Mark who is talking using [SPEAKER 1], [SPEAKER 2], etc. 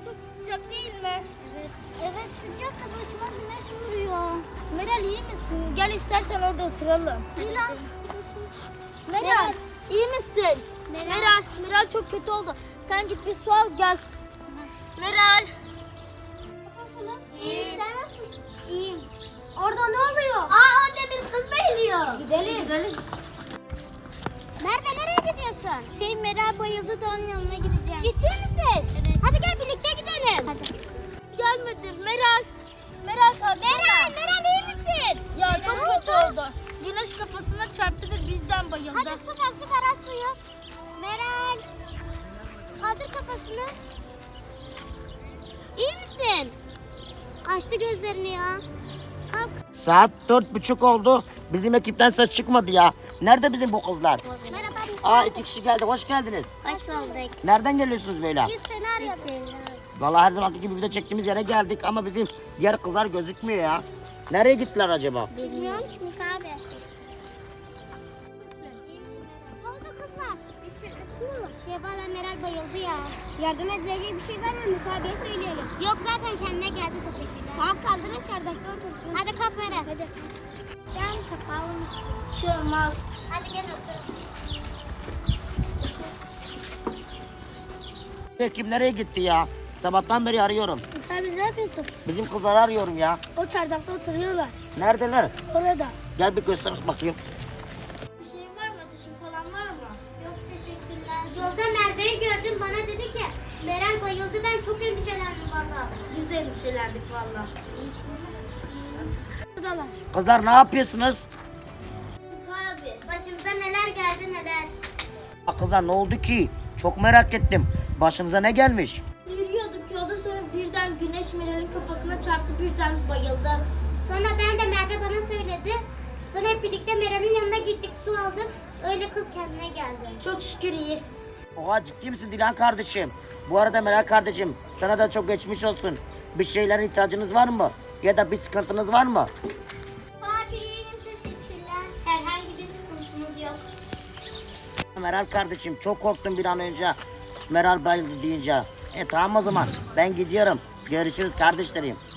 [SPEAKER 1] çok sıcak değil mi?
[SPEAKER 2] Evet. Evet sıcak da başıma güneş vuruyor.
[SPEAKER 1] Meral iyi misin? Gel istersen orada oturalım.
[SPEAKER 2] Milan.
[SPEAKER 1] Meral iyi misin? Meral çok kötü oldu. Sen git bir su al gel. Meral.
[SPEAKER 2] Nasılsınız?
[SPEAKER 1] İyi.
[SPEAKER 2] Sen nasılsın? İyiyim. Orada ne oluyor? Orada bir kız bayılıyor.
[SPEAKER 1] Gidelim.
[SPEAKER 2] Merve nereye gidiyorsun? Meral bayıldı da onun yanına gideceğim.
[SPEAKER 1] Ciddi misin?
[SPEAKER 2] Evet.
[SPEAKER 1] Hadi gel birlikte gidelim.
[SPEAKER 2] Hadi.
[SPEAKER 1] Gelmedi Meral kalksana.
[SPEAKER 2] Meral iyi misin?
[SPEAKER 1] Ya çok kötü oldu. Güneş kafasına çarptı ve birden bayıldı.
[SPEAKER 2] Hadi su ver az suyu. Meral. Kaldır kafasını. İyi misin? Açtı gözlerini ya. Kalk.
[SPEAKER 3] Saat 4:30 oldu. Bizim ekipten ses çıkmadı ya. Nerede bizim bu kızlar?
[SPEAKER 2] Merhaba.
[SPEAKER 3] 2 kişi geldi. Hoş geldiniz.
[SPEAKER 2] Hoş bulduk.
[SPEAKER 3] Nereden geliyorsunuz böyle?
[SPEAKER 2] Biz seni arıyorduk.
[SPEAKER 3] Vallahi her zamanki gibi video çektiğimiz yere geldik ama bizim diğer kızlar gözükmüyor ya. Nereye gittiler acaba?
[SPEAKER 2] Bilmiyorum ki Mika abi. Ne oldu kızlar? Şevval'le Meral bayıldı ya. Yardım edecek bir şey var mı? Mika abiye söyleyelim. Yok zaten kendine geldi teşekkürler. Tamam kaldırın çardakta otursun. Hadi kalk Meral. Hadi. Gel kapağım.
[SPEAKER 1] Çıkmaz.
[SPEAKER 2] Hadi gel otur.
[SPEAKER 3] Ekip nereye gitti ya? Sabahtan beri arıyorum.
[SPEAKER 1] Mika abi ne yapıyorsun?
[SPEAKER 3] Bizim kızları arıyorum ya.
[SPEAKER 1] O çardakta oturuyorlar.
[SPEAKER 3] Neredeler?
[SPEAKER 1] Orada.
[SPEAKER 3] Gel bir göster bakayım.
[SPEAKER 1] Bir şey var mı? Ateşin falan var mı?
[SPEAKER 2] Yok teşekkürler. Yolda Merve'yi gördüm bana dedi ki Meral bayıldı ben çok endişelendim valla.
[SPEAKER 1] Biz de endişelendik valla. Buradalar.
[SPEAKER 3] Kızlar ne yapıyorsunuz?
[SPEAKER 2] Mika abi başımıza neler geldi neler.
[SPEAKER 3] Kızlar ne oldu ki? Çok merak ettim. Başınıza ne gelmiş?
[SPEAKER 1] Yürüyorduk yolda sonra birden güneş Meral'in kafasına çarptı birden bayıldı.
[SPEAKER 2] Sonra ben de Merve bana söyledi. Sonra hep birlikte Meral'in yanına gittik su aldık. Öyle kız kendine geldi.
[SPEAKER 1] Çok şükür iyi.
[SPEAKER 3] Oha ciddi misin Dilan kardeşim? Bu arada Meral kardeşim sana da çok geçmiş olsun. Bir şeylerin ihtiyacınız var mı? Ya da bir sıkıntınız var mı?
[SPEAKER 2] Abi iyiyim teşekkürler. Herhangi bir sıkıntımız yok.
[SPEAKER 3] Meral kardeşim çok korktum bir an önce. Meral bayıldı deyince. Tamam o zaman ben gidiyorum. Görüşürüz kardeşlerim.